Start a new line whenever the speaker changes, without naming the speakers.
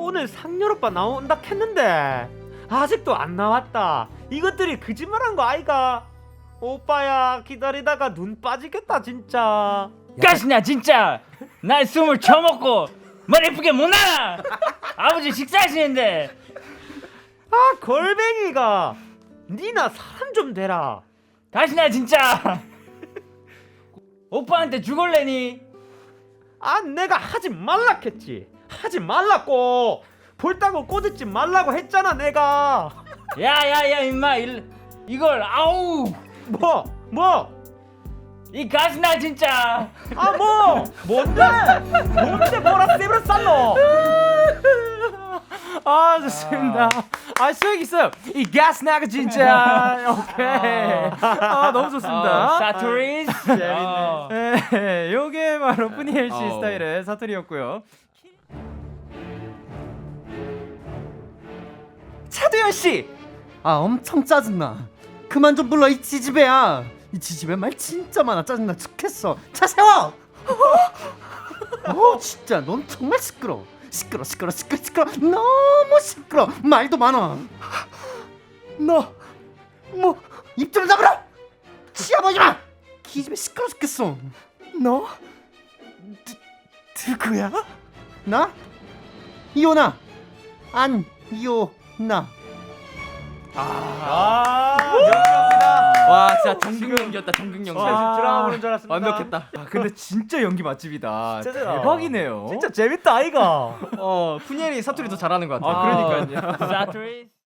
오늘 상렬 오빠 나온다 했는데 아직도 안 나왔다. 이것들이 거짓말한 거 아이가? 오빠야 기다리다가 눈 빠지겠다 진짜.
가시나 진짜 날 숨을 쳐먹고 머리 예쁘게 못 나나. 아버지 식사하시는데.
아 걸뱅이가 니나 사람 좀 되라.
가시나 진짜 오빠한테 죽을래니?
아 내가 하지 말라 했지. 하지 말라고. 볼따고 꼬집지 말라고 했잖아 내가.
야야야 임마 이걸 아우
뭐?
이 가시나 진짜.
아 뭐? 뭔데 뭐라 세브를 쌌노?
아 좋습니다. 아 수익 있어요. 이 가스나가 진짜 오케이. 아 너무 좋습니다.
사투리스.
네, 요게 바로 푸니엘 씨 스타일의 사투리였고요. 차두현 씨.
아 엄청 짜증나. 그만 좀 불러 이 지지배야. 이 지지배 말 진짜 많아. 짜증나 죽겠어. 차 세워. 진짜 넌 정말 시끄러. 시끄러. 너무 시끄러. 말도 많아. 너 뭐 입 좀 다물어. 치아보지 마. 기집애 시끄러 죽겠어. 너 누구야? 나 이오나 안 이오나.
와 진짜 정국 연기였다. 정국 연기.
드라마 보는 줄 알았습니다.
완벽했다. 아, 근데 진짜 연기 맛집이다.
진짜 잘하.
대박이네요.
진짜 재밌다 아이가.
푸니엘이 사투리도 잘하는 것 같아요.
아,
그러니까요.
사투리스.